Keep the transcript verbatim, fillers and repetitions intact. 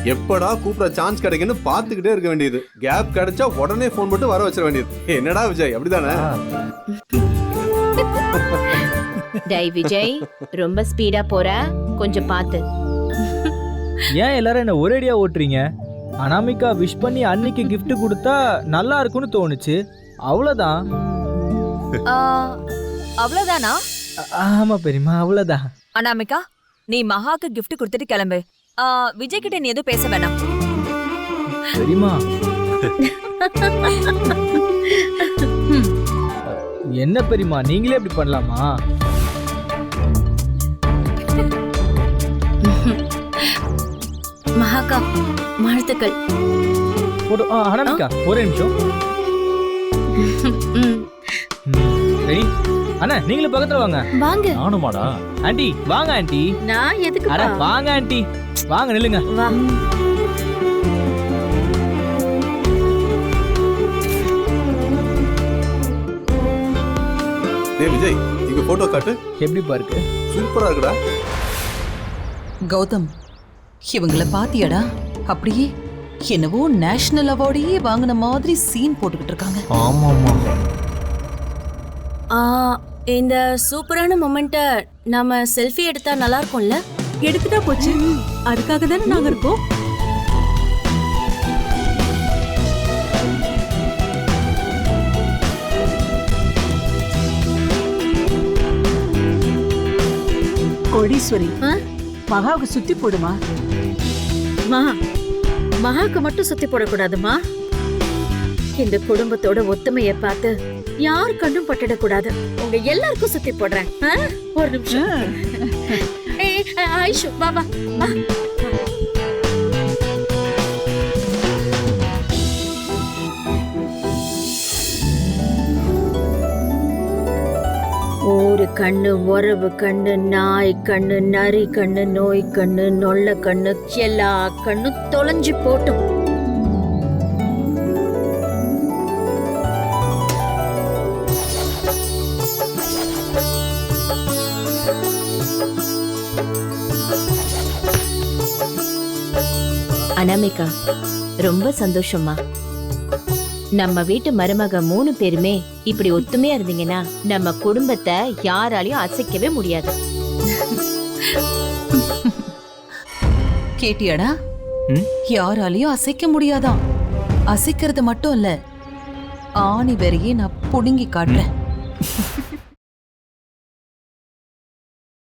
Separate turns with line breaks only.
எப்படா கூப்பிட சான்ஸ் கிடைக்குன்னு பாத்துக்கிட்டே இருக்க வேண்டியது. கேப் கிடைச்சா உடனே போன் போட்டு வர வச்சிட வேண்டியது. என்னடா விஜய், அப்படிதானே?
டேய் விஜய், ரொம்ப ஸ்பீடா போற, கொஞ்சம் பாத்து.
ஏன் எல்லாரும் என்ன ஒரேடியா ஓட்டுறீங்க? அனாமிகா விஷ் பண்ணி அன்னைக்கு gift கொடுத்தா நல்லா இருக்கும்னு தோணுச்சு, அவ்வளவுதான்.
அவ்வளவுதானா?
ஆமா பெரியமா, அவ்வளவுதான்.
அனாமிகா, நீ மகாக்கு gift கொடுத்துட்டு கிளம்பு. விஜய் கிட்ட நீ எதுவும் பேச வேணாம்.
பெரியமா என்ன பெரியமா, நீங்களே இப்படி பண்ணலாமா?
மகாக்கா வாழ்த்துக்கள்.
ஒரு அனாமிகா ஒரே நிமிஷம். ரெடி அண்ணா, நீங்களும் பக்கத்துல வாங்க.
வாங்க.
நானுமாடா?
ஆண்டி வாங்க. ஆண்டி
நான் எதுக்கு?
அட வாங்க ஆண்டி, வாங்க நில்லுங்க.
வா.
டேய் விஜய், இங்க போட்டோ காட்டு.
எப்படி பாருக்கு?
சூப்பரா இருக்குடா.
கௌதம், இவங்கள பாத்தியாடா? அப்படியே என்னவோ நேஷனல் அவார்டையே வாங்கின மாதிரி சீன் போட்டுக்கிட்டு இருக்காங்க.
ஆமாமா.
இந்த சூப்பரான மொமெண்ட்டை நாம செல்ஃபி எடுத்தா நல்லா இருக்கும்ல?
எடுத்துட்டா போச்சு, அதுக்காக தானே நாங்க இருக்கோம். கோடீஸ்வரி, மகாவுக்கு சுத்தி போடுமா?
மா, மகாக்கு மட்டும் சுத்தி போடக்கூடாதுமா. இந்த குடும்பத்தோட ஒத்துமையை பார்த்து யார் கண்ணும் பட்டிடக்கூடாது. உங்க எல்லாருக்கும் சுத்தி போடுறேன். ஒரு நிமிஷம். ஏய் ஆயிஷு, வா வா வா. ஒரு கண்ணு உறவு கண்ணு, நாய் கண்ணு, நரி கண்ணு, நோய் கண்ணு, நொல்ல கண்ணு, எல்லா கண்ணு தொலைஞ்சு போட்டும். அனாமிகா, ரொம்ப சந்தோஷமா. நம்ம வீட்டு மருமக மூணு பேருமே இப்படி ஒத்துமையா இருந்தீங்கன்னா நம்ம குடும்பத்தை யாராலையும் அசைக்கவே முடியாது.
கேட்டியாடா? யாராலையும் அசைக்க முடியாதான். அசைக்கிறது மட்டும் இல்ல, ஆணி வரையே நான் புடுங்கி காட்டுறேன்.